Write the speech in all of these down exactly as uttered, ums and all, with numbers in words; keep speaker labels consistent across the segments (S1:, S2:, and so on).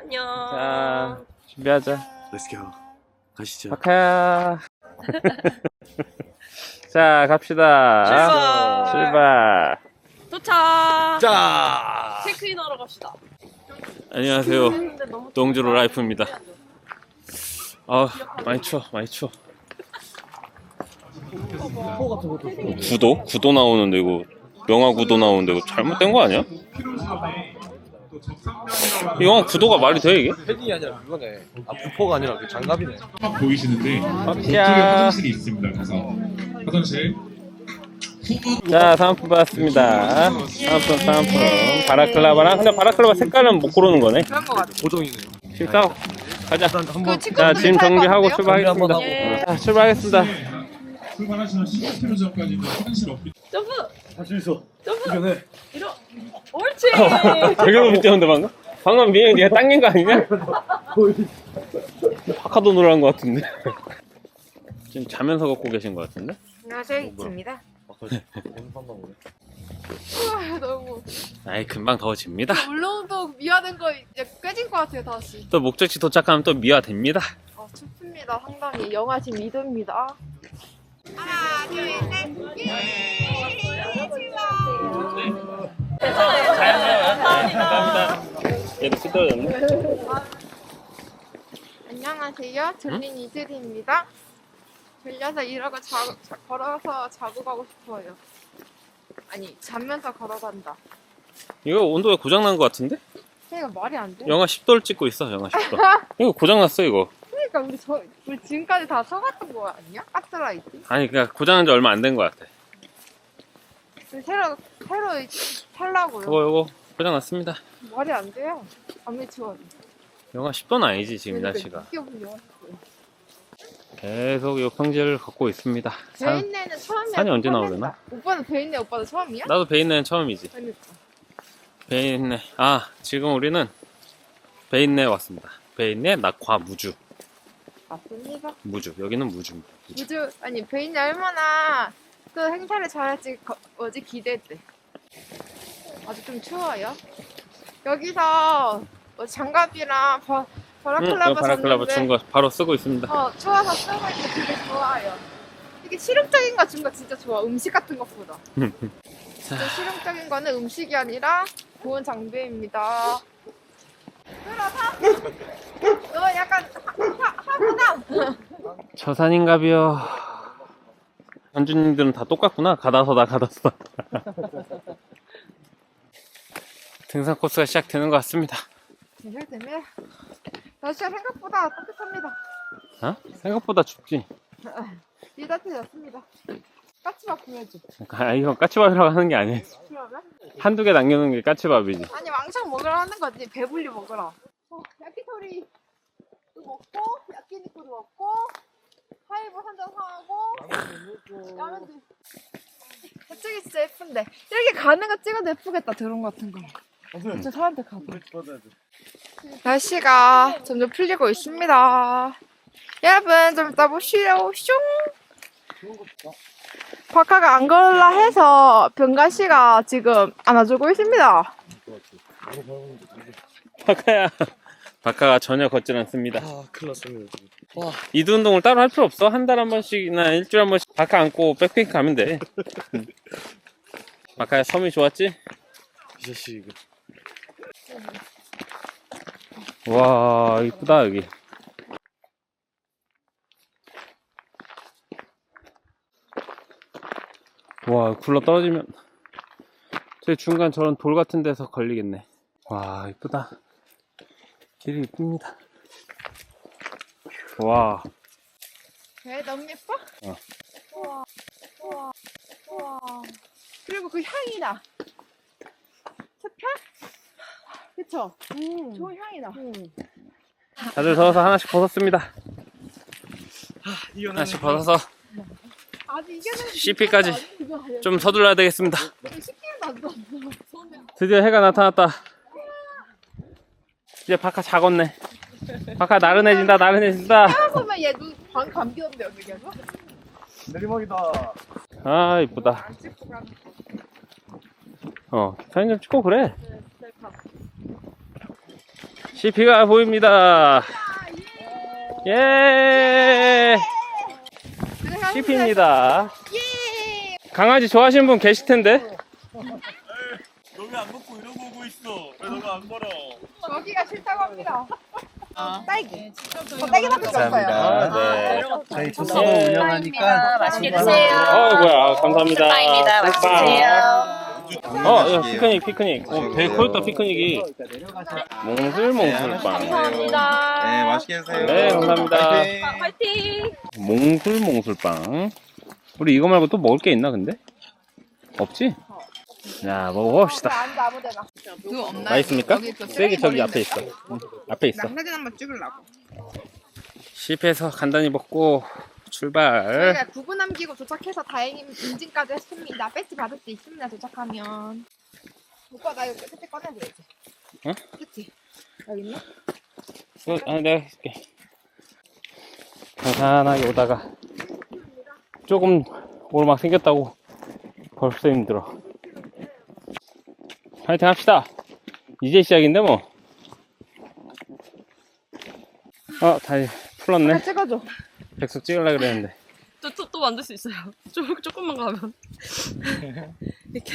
S1: 안녕.
S2: 자, 준비하자.
S3: 렛츠고. 가시죠.
S2: 박하야. 자, 갑시다.
S1: 출발.
S2: 출발.
S1: 도착.
S3: 자.
S1: 체크인하러 갑시다.
S2: 안녕하세요.
S1: 근데 너무
S2: 동주로 라이프입니다. 아, 많이 추워, 많이 추워. 구도? 구도 나오는데 이거 영화 구도 나오는데 이거 잘못된 거 아니야? 이 영화 구도가 말이 돼 이게?
S3: 패딩이 아니라 그거네. 아 부포가 아니라 그 장갑이네.
S4: 딱 보이시는데 저쪽에
S2: 야.
S4: 화장실이 있습니다. 가서 화장실.
S2: 자, 사은품 받았습니다. 사은품, 사은품. 바라클라바랑. 근데 바라클라바 색깔은 못 고르는 거네.
S1: 그런 거 같아.
S3: 고정이네요.
S2: 식사 가자.
S3: 일단 한번
S2: 자, 짐 정리하고 출발하겠습니다.
S1: 예.
S2: 자, 출발하겠습니다.
S4: 출발하시면 십오 킬로미터 전까지는 화장실 없기
S1: 점프.
S3: 할 수 있어.
S1: 점프.
S3: 이겨내.
S1: 이러. 옳지.
S2: 되게 못 뛰었는데 방금? 방금 미행이 네가 당긴 거 아니냐? 파카도 노란 거 같은데. 지금 자면서 걷고 계신 거 같은데?
S1: 안녕하세요, 이치입니다.
S3: 오늘 한번 오네.
S5: 우와, 너무
S2: 아이, 금방 더워집니다.
S5: 울릉도 미화된 거 이제 깨진 것 같아요 다시.
S2: 또 목적지 도착하면 또 미화됩니다.
S5: 아 춥습니다 상당히. 영하 지금 이 도입니다. 하나 둘셋
S2: 감사합니다. 얘도 뜯어졌네.
S5: 안녕하세요. 졸린 이슬이입니다. 졸려서 이러고 자, 자, 걸어서 자고 가고 싶어요. 아니 자면서 걸어간다.
S2: 이거 온도가 고장난 거 같은데?
S5: 이거 말이 안 돼.
S2: 영하 십 도를 찍고 있어, 영하 십 도. 이거 고장났어, 이거.
S5: 그러니까 우리 저 우리 지금까지 다 써갔던 거 아니야? 가스라이트?
S2: 아니, 그러니까 고장난 지 얼마 안 된 거 같아.
S5: 우리 새로 새로 살라고요.
S2: 이거, 이거 고장났습니다.
S5: 말이 안 돼요. 아무리 추워도.
S2: 영하 십 도는 아니지, 지금 날씨가.
S5: 느껴보려.
S2: 계속 요 평지를 걷고 있습니다. 산,
S5: 베인네는 처음이야.
S2: 산이 언제 나오려나?
S5: 오빠는 베인네 오빠도 처음이야?
S2: 나도 베인네는 처음이지.
S5: 그러니까.
S2: 베인네. 아, 지금 우리는 베인네 왔습니다. 베인네 낙화 무주.
S5: 맞습니다.
S2: 무주. 여기는 무주입니다. 무주.
S5: 우주 아니 베인네 얼마나 또 행사를 잘할지 거, 어제 기대돼. 아주 좀 추워요. 여기서 뭐 장갑이랑 바,
S2: 응,
S5: 바라클라바
S2: 이거 바라클라바
S5: 줬는데
S2: 준 거 바로 쓰고 있습니다.
S5: 어 추워서 쓰고 있는데 되게 좋아요. 이게 실용적인 거 준 거 진짜 좋아. 음식 같은 것보다. 진짜 실용적인 거는 음식이 아니라 좋은 장비입니다. 들어서 너 약간 하, 하구나.
S2: 저 산인가비요. 현주님들은 다 똑같구나. 가다서다 가다서다. 등산 코스가 시작되는 것 같습니다.
S5: 시작되면 날씨가 생각보다 따뜻합니다.
S2: 어? 생각보다 춥지.
S5: 이 따뜻해졌습니다. 까치밥 보여줘.
S2: 아, 이건 까치밥이라고 하는 게 아니에요.
S5: 그러면?
S2: 한두 개 남겨놓은 게 까치밥이지.
S5: 아니 왕창 먹으라 하는 거지. 배불리 먹으라. 어, 야키토리도 먹고 야끼니쿠도 먹고 하이볼 한잔 사고 라면도. 저쪽이 진짜 예쁜데 이렇게 가는 거 찍어도 예쁘겠다. 드론 같은 거. 진짜 사람들 가봐. 날씨가 점점 풀리고 있습니다. 여러분 좀 이따 보시오. 슝. 박하가 안 걸라 해서 병가 씨가 지금 안아주고 있습니다.
S2: 바카야. 바카가 전혀 걷질 않습니다.
S3: 아 큰일 났습니다. 와
S2: 이두 운동을 따로 할 필요 없어. 한 달 한 번씩이나 일주일에 한 번씩 바카 안고 백패킹 가면 돼. 바카야, 섬이 좋았지?
S3: 이 자식 이거.
S2: 와, 이쁘다 여기. 와, 굴러 떨어지면 저 중간 저런 돌 같은 데서 걸리겠네. 와, 이쁘다. 길이 이쁩니다. 와.
S5: 왜 너무 예뻐?
S2: 어.
S5: 우와, 우와, 우와. 그리고 그 향이 나. 숲향? 그쵸? 음. 좋은 향이 나. 음.
S2: 다들 더워서 하나씩 벗었습니다.
S3: 이겨내.
S2: 하나씩 벗어서
S5: 아직 이겨내는
S2: 씨피까지 좀 서둘러야 되겠습니다.
S5: 시키는 안 돼.
S2: 드디어 해가 나타났다. 이제 바카 작았네. 바카 나른해진다, 나른해진다.
S5: 그러면 얘눈방 감기던데 여기 계속?
S3: 내리막이다.
S2: 아, 이쁘다.
S5: 안 찍고 가는 거.
S2: 어, 사진 좀 찍고 그래.
S5: 네, 셀카.
S2: 씨피가 보입니다. 예! 씨피입니다.
S5: 예!
S2: 강아지 좋아하시는 분 계실 텐데?
S3: 너 왜 안 먹고 이러고 오고 있어? 왜 너가 안 걸어?
S5: 저기가 싫다고 합니다. 딸기. 저 딸기 밖에 없어요.
S2: 아, 네.
S3: 저희
S2: 예.
S3: 운영하니까
S1: 맛있게 드세요.
S2: 어, 뭐야. 감사합니다.
S1: 빵입니다. 맛있게
S2: 빵.
S1: 드세요.
S2: 어, 야, 피크닉, 피크닉. 어, 되게 커졌다, 피크닉이. 몽술몽술빵.
S1: 감사합니다.
S6: 네, 맛있게 드세요.
S2: 네, 감사합니다.
S6: 파이팅!
S1: 화이팅!
S2: 몽술몽술빵. 우리 이거 말고 또 먹을 게 있나, 근데? 없지? 자, 먹어봅시다.
S5: 앉아 아무데나. 그거 없나요?
S2: 맛있습니까?
S5: 여기 그
S2: 쓰레기 저기 앞에 있어. 응, 앞에 있어.
S5: 나 사진 한번 찍으려고.
S2: 씹해서 간단히 먹고 출발.
S5: 저희가 구분 남기고 도착해서 다행히 인증까지 했습니다. 배지 받을 수 있습니다. 도착하면. 오빠 나 이거 끝에 꺼내줘야지.
S2: 응?
S5: 그치? 여기 있네?
S2: 이거, 아, 내가 해줄게. 편안하게 오다가 조금 오르막 생겼다고 벌써 힘들어. 파이팅 합시다. 이제 시작인데 뭐. 어, 다시 풀었네.
S5: 아, 찍어줘.
S2: 백숙 찍으려고 그랬는데.
S1: 또, 또, 또 만들 수 있어요. 조, 조금만 가면. 이렇게.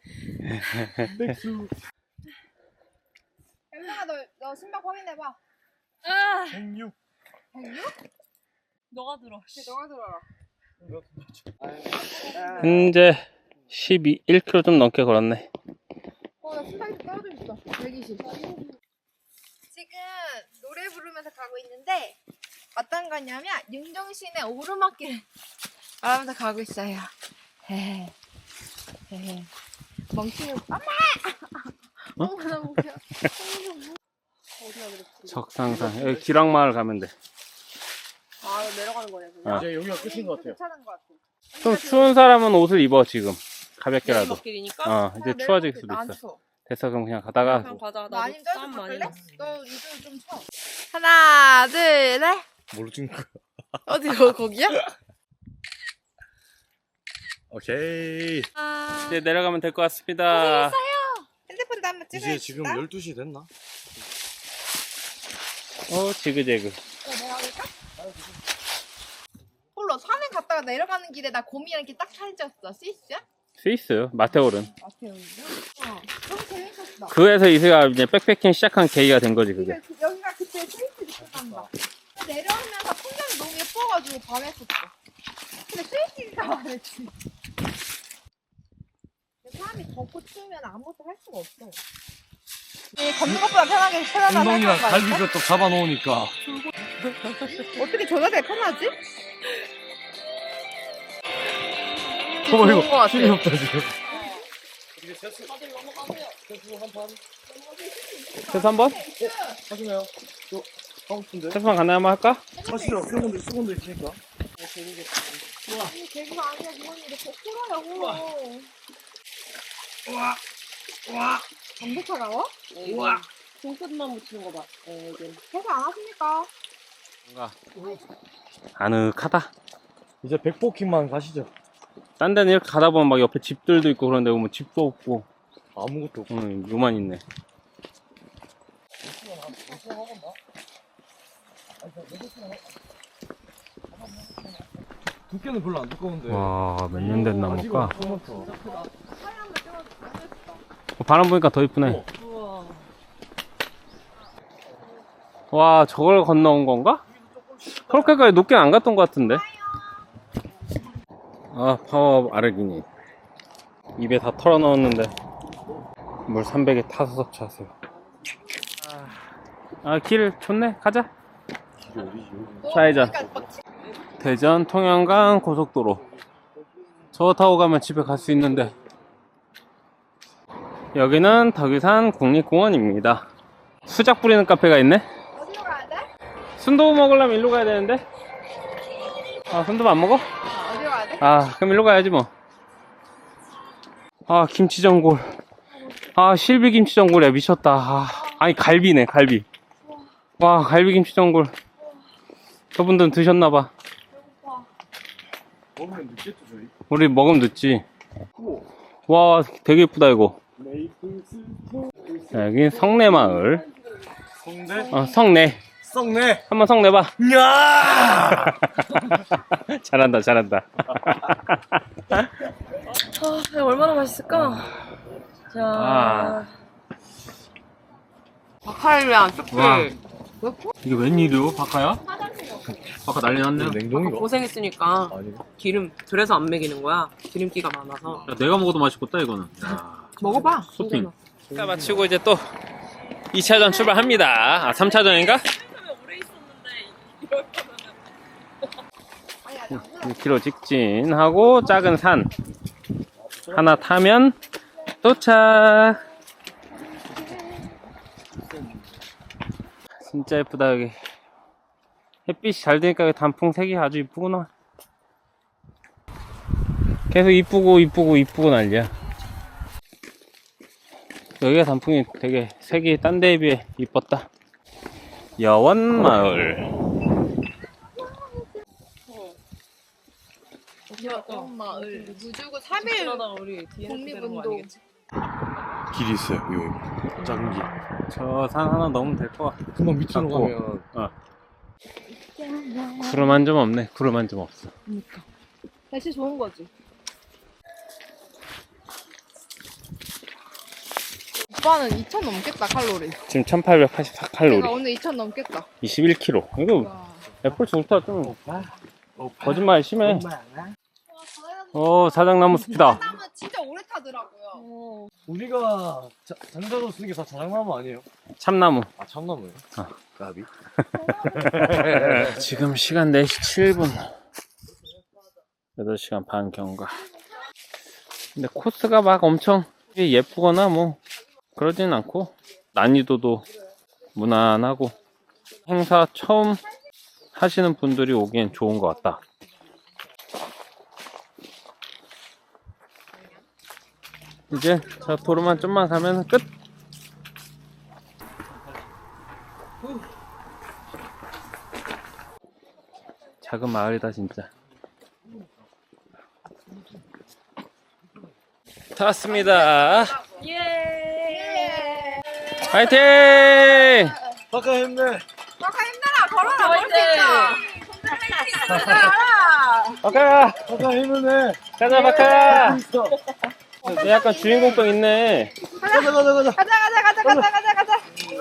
S5: 영상아 너, 너 신박 확인해봐.
S1: 아,
S3: 백육.
S5: 백육?
S1: 너가 들어.
S5: 너가 들어라.
S2: 현재 십이, 일 킬로미터 좀 넘게 걸었네.
S5: 어, 나 신박이 좀 떨어져 있어. 백이십. 지금 노래 부르면서 가고 있는데 어떤 거냐면 윤종신의 오르막길을 말하면서 가고 있어요. 헤헤. 헤헤. 멍청이 엄마! 엄마 나 웃겨. 어디가 그랬지?
S2: 적상산. 여기 기락마을 가면 돼.
S5: 아, 나 내려가는 거네. 그냥.
S2: 아.
S3: 이제 여기가 끝인 것 같아요.
S5: 괜찮은 것 같아.
S2: 좀 추운 사람은 옷을 입어, 지금. 가볍게라도.
S1: 길이니까.
S2: 어, 이제 추워질 수도
S5: 난
S2: 있어.
S5: 추워.
S2: 됐어, 그럼 그냥 가다가.
S1: 그냥 가자.
S5: 나
S1: 나도
S5: 아니면 쪄서
S1: 땀 많이
S5: 바꿀래?
S1: 났어.
S5: 너 요즘 좀 추워. 하나, 둘, 셋.
S3: 뭘로 찍는 거야?
S5: 어디 거 거기야?
S3: 오케이.
S1: 아,
S2: 이제 내려가면 될 것 같습니다.
S5: 핸드폰도 한번 찍어야
S3: 이제 지금 열두 시 됐나?
S2: 어, 지그재그.
S5: 어, 내가 할까? 홀로 산에 갔다가 내려가는 길에 나 곰이랑 이렇게 딱 사진 찍었어. 스위스야?
S2: 스위스, 마테오른.
S5: 마테오이요? 어. 너무 재밌었어.
S2: 그에서 이세가 이제 백패킹 시작한 계기가 된 거지, 그게.
S5: 근데 그- 여기가 그때 스위스 느껴간다. 내려오면서 풍경이 너무 예뻐가지고 반했었어. 근데 스위스가 반했지. 사람이 덥고 추우면 아무것도 할 수가 없어. 이 걷는 것보다 편하게 편하다
S3: 엉덩이랑
S5: 생각한 거
S3: 갈비
S5: 아닐까?
S3: 뼈쪽 잡아놓으니까.
S5: 어떻게 저게 더 편하지?
S3: 어,
S5: 좋은 거
S3: 이거
S5: 같아.
S3: 힘이 없다, 지금.
S2: 세수 한 번?
S3: 하시나요? 저, 하고 싶은데?
S2: 세수만 간단히 한번 할까?
S3: 하시죠. 수건도, 수건도 있으니까.
S5: 아니 개그가 아니야 이거는 이렇게 풀어요 홀로.
S3: 우와! 우와!
S5: 담배 차가워?
S1: 우와. 손끝만 묻히는 거 봐. 어, 이게.
S5: 해서 안 하십니까?
S2: 뭔가 아늑하다.
S3: 이제 백포킹만 가시죠.
S2: 딴 데는 이렇게 가다 보면 막 옆에 집들도 있고 그런데 보면 집도 없고,
S3: 아무것도 없고.
S2: 응, 요만 있네.
S3: 두께는 별로 안 두꺼운데.
S2: 와, 몇 년 된 나무일까?
S3: 아직은 조그맣다.
S2: 어, 바람 보니까 더 이쁘네.
S1: 우와.
S2: 와, 저걸 건너온 건가? 그렇게까지 높게 안 갔던 것 같은데. 아, 파워업 아르기니. 입에 다 털어 넣었는데 물 삼백에 타서 섭취하세요. 아, 길 좋네. 가자. 좌회전. 대전 통영간 고속도로. 저거 타고 가면 집에 갈 수 있는데, 여기는 덕유산 국립공원입니다. 수작 부리는 카페가 있네.
S5: 어디로 가야 돼?
S2: 순두부 먹으려면 일로 가야 되는데. 아, 순두부 안 먹어?
S5: 아, 어디로 가야 돼?
S2: 아, 그럼 일로 가야지 뭐. 아, 김치전골. 아, 실비 김치전골이야. 미쳤다. 아, 아니, 갈비네, 갈비. 와, 갈비 김치전골. 저분들은 드셨나봐.
S5: 배고파.
S3: 먹으면 늦겠죠, 저희?
S2: 우리 먹으면 늦지. 와, 되게 예쁘다, 이거. 자, 여기 성내마을.
S3: 성대?
S2: 어, 성내.
S3: 썩네.
S2: 한번 성내봐.
S3: 야!
S2: 잘한다, 잘한다.
S1: 아, 이거 얼마나 맛있을까? 자,
S2: 아.
S5: 박하를 안 쑥.
S2: 와. 이게 웬일이요, 바카야? 바카 난리 났네.
S3: 냉동이가?
S1: 고생했으니까
S3: 아니.
S1: 기름 그래서 안 먹이는 거야. 기름기가 많아서.
S2: 야, 내가 먹어도 맛있겠다, 이거는. 야.
S5: 먹어봐.
S2: 쇼핑. 자, 마치고 이제 또 이 차전 출발합니다. 아, 삼 차전인가? 일 킬로미터 직진하고 작은 산 하나 타면 도착. 진짜 예쁘다 여기. 햇빛이 잘 되니까 여기 단풍색이 아주 이쁘구나. 계속 이쁘고 이쁘고 이쁘고 난리야. 여기가 단풍이 되게 색이 딴 데에 비해 이뻤다. 여원마을.
S5: 마을 무주구 삼 일
S1: 그러다가 우리 뒤에
S5: 독립운동.
S3: 길이 있어요. 요 작은 길.
S2: 저 산 하나 넘으면 될 것 같아.
S3: 금방 밑으로
S2: 닫고.
S3: 가면
S2: 어. 구름 한 점 없네. 구름 한 점 없어.
S5: 날씨 좋은 거지. 오빠는 이천 넘겠다 칼로리.
S2: 지금 천팔백팔십사 칼로리.
S5: 내가 오늘 이천 넘겠다.
S2: 이십일 킬로그램. 이거 애플 울트라 좀 거짓말 심해. 어, 사장나무 숲이다.
S5: 사람은 진짜 오래 타더라고요.
S3: 우리가 자, 장작으로 쓰는 게 다 자작나무 아니에요?
S2: 참나무.
S3: 아 참나무예요?
S2: 어.
S3: 까비.
S2: 지금 시간 네 시 칠 분. 여덟 시간 반 경과. 근데 코스가 막 엄청 예쁘거나 뭐 그러진 않고 난이도도 무난하고 행사 처음 하시는 분들이 오기엔 좋은 것 같다. 이제 저 도로만 좀만 가면 끝. 작은 마을이다 진짜. 다 왔습니다.
S1: 예.
S2: 화이팅!
S3: 아까 했네.
S5: 아까 힘내라 걸어라 걸을 수 있다.
S2: 바카야!
S3: 아까 했네.
S2: 가자 바카야!
S3: 있어.
S2: 너 약간 주인공병 있네.
S3: 가자 가자 가자.
S5: 가자 가자 가자 가자 가자 가자.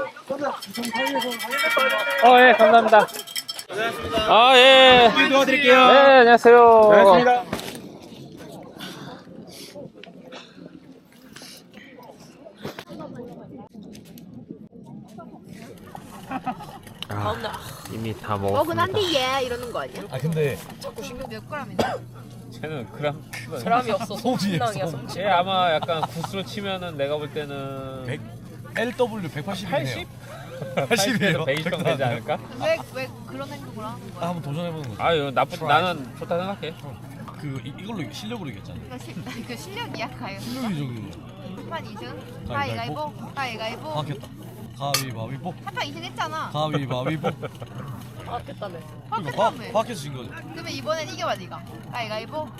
S2: 어, 예, 감사합니다. 아, 예.
S3: 도와드릴게요.
S2: 네, 안녕하세요.
S3: 고맙습니다.
S1: 가운데.
S2: 이미 다
S5: 먹은 한데 얘 이러는 거 아니야?
S3: 아 근데
S5: 자꾸 신경 몇 그램인데?
S2: 쟤는 그럼.
S1: 사람이 없어.
S3: 소지에
S1: 솜낭이야
S3: 솜.
S1: 솜.
S2: 쟤 아마 약간 구스로 치면은 내가 볼 때는
S3: 백 엘더블유 백팔십이네요.
S2: 팔십?
S3: 팔십이에요.
S2: 베이스병 되지 않을까?
S5: 왜 왜 그런 행동을 하는 거야?
S3: 아, 한번 도전해보는 거죠.
S2: 아유, 나쁘, 나는 좋다 생각해.
S3: 그 이, 이걸로 실력으로 이겼잖아요.
S5: 그 실- 그 실력이야 가요.
S3: 실력이 저기
S5: 한판 이승
S3: 가위바위보.
S5: 가위가위보 가위가위보
S3: 바뀌었다. 가위바위보.
S5: 한판 이승 했잖아.
S3: 가위바위보.
S1: 아, 됐다며.
S3: 그러니까 바,
S5: 바뀌었다며.
S3: 바뀌어서 진 거죠.
S5: 그러면 이번엔 이겨봐 네가. 가위가위보.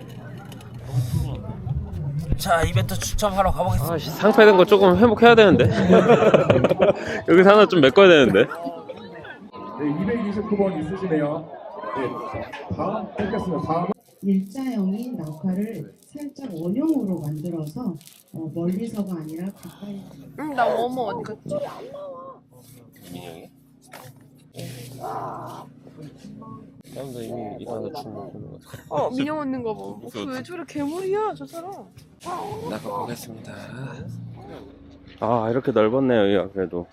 S2: 자, 이벤트 추첨하러 가보겠습니다. 아, 상패된 거 조금 회복해야 되는데. 여기서 하나 좀 메꿔야 되는데.
S4: 네, 이백이십구 번 있으시네요. 네, 다음 뵙겠습니다. 다음.
S6: 일자형인 낙화를 살짝 원형으로 만들어서 어, 멀리서가 아니라 가까이.
S5: 응나 어머 어디 갔지?
S2: 민영이? 사람들 이미 이거 하나 주문.
S5: 어 민영 얻는 거 봐. 왜 저래 괴물이야 저 사람.
S2: 나가 보겠습니다. 아, 이렇게 넓었네요, 여기가 그래도.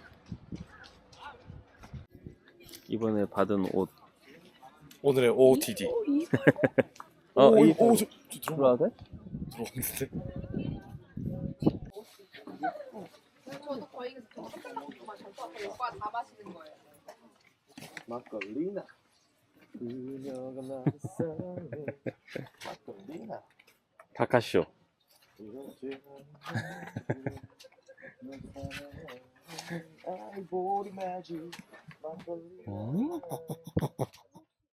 S2: 이번에 받은 옷.
S3: 오늘의 오오티디.
S2: 어,
S3: 오,
S2: 이-
S3: 오, 저, 저 들어가.
S2: 들어와도 돼?
S3: 들어갔는데.
S5: 저도 거의 오빠 다 마시는 거예요.
S3: 막걸리나. 그녀가 나를 사랑해. 막걸리나.
S2: 바카쇼.
S3: 아이보리 매직 막걸리.
S2: 음?